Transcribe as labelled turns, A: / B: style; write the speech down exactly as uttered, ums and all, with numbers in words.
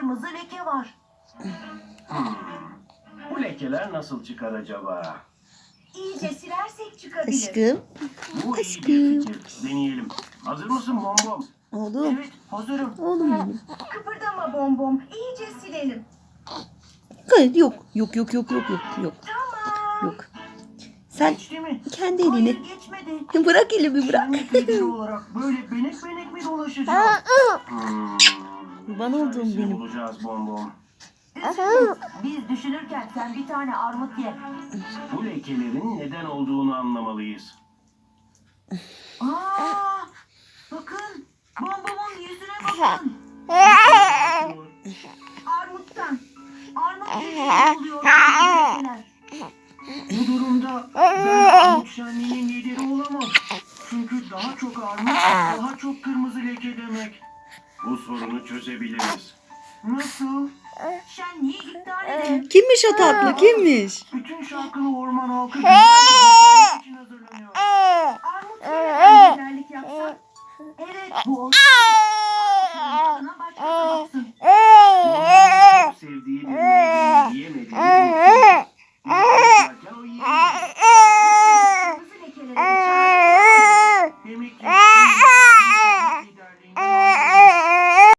A: kırmızı leke var.
B: Hmm. Bu lekeler nasıl çıkar acaba?
A: İyice silersek çıkabilir.
C: Aşkım.
B: Bu iyi
C: Aşkım.
B: bir fikir. Deneyelim. Hazır mısın Bombom?
C: Oğlum.
A: Evet, hazırım.
C: Oğlum benim.
A: Kıpırdama Bombom. İyice silelim.
C: Hayır, yok. Yok yok yok yok yok yok.
A: Tamam.
C: Yok. Sen
B: Geçti mi?
C: kendi
A: Hayır,
C: elini
A: geçmedi.
C: bırak, elimi bırak.
B: Şenlik lideri olarak böyle benek benek mi dolaşacağım? Hmm.
C: Kurban olduğum
B: Çaresini
C: benim.
B: bulacağız Bombom.
A: Üzgünüz. Biz düşünürken sen bir tane armut ye.
B: Bu lekelerin neden olduğunu anlamalıyız.
A: Aa, bakın. Bombom'un yüzüne bakın. Armuttan. Armut yüzüne oluyor. lekeler.
B: Bu durumda ben armut şenliğinin lideri olamam. Çünkü daha çok armut, daha çok kırmızı leke demek. Bu sorunu çözebiliriz. Nasıl?
A: Şenliği iptal edelim.
C: Kimmiş o tatlı? Kimmiş?
B: Bütün şarkılı orman halkı güzel bir için hazırlanıyor.
A: Armut yemeden liderlik yapsak. Evet, bu olur.